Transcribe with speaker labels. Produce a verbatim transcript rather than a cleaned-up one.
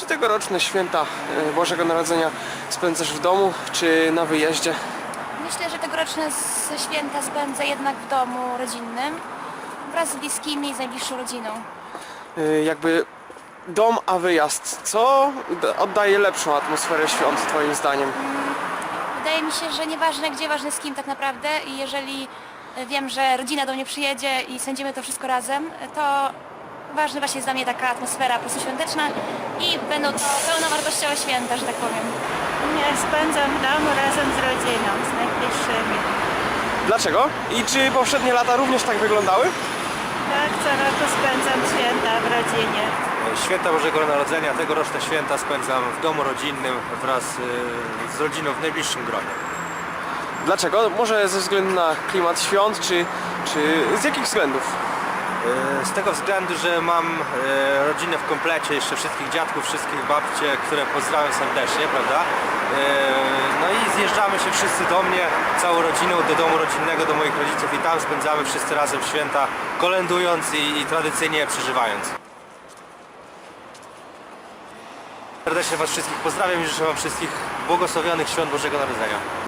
Speaker 1: Czy tegoroczne święta e, Bożego Narodzenia spędzasz w domu, czy na wyjeździe?
Speaker 2: Myślę, że tegoroczne s- święta spędzę jednak w domu rodzinnym wraz z bliskimi i z najbliższą rodziną.
Speaker 1: E, Jakby dom, a wyjazd. Co d- oddaje lepszą atmosferę świąt, twoim zdaniem?
Speaker 2: Wydaje mi się, że nieważne gdzie, ważne z kim tak naprawdę i jeżeli e, wiem, że rodzina do mnie przyjedzie i spędzimy to wszystko razem, to ważna właśnie jest dla mnie taka atmosfera po prostu świąteczna i będą to pełnowartościowe święta, że tak powiem.
Speaker 3: Nie, spędzam w domu razem z rodziną, z najbliższymi.
Speaker 1: Dlaczego? I czy poprzednie lata również tak wyglądały?
Speaker 3: Tak, co roku spędzam święta w rodzinie.
Speaker 4: Święta Bożego Narodzenia, tegoroczne święta spędzam w domu rodzinnym wraz y, z rodziną w najbliższym gronie.
Speaker 1: Dlaczego? Może ze względu na klimat świąt, czy, czy z jakich względów?
Speaker 4: Y, Z tego względu, że mam y, rodzinę w komplecie, jeszcze wszystkich dziadków, wszystkich babcie, które pozdrawiam serdecznie, prawda? Y, No i zjeżdżamy się wszyscy do mnie, całą rodziną, do domu rodzinnego, do moich rodziców i tam spędzamy wszyscy razem święta, kolędując i, i tradycyjnie je przeżywając. Serdecznie Was wszystkich pozdrawiam i życzę Wam wszystkich błogosławionych świąt Bożego Narodzenia.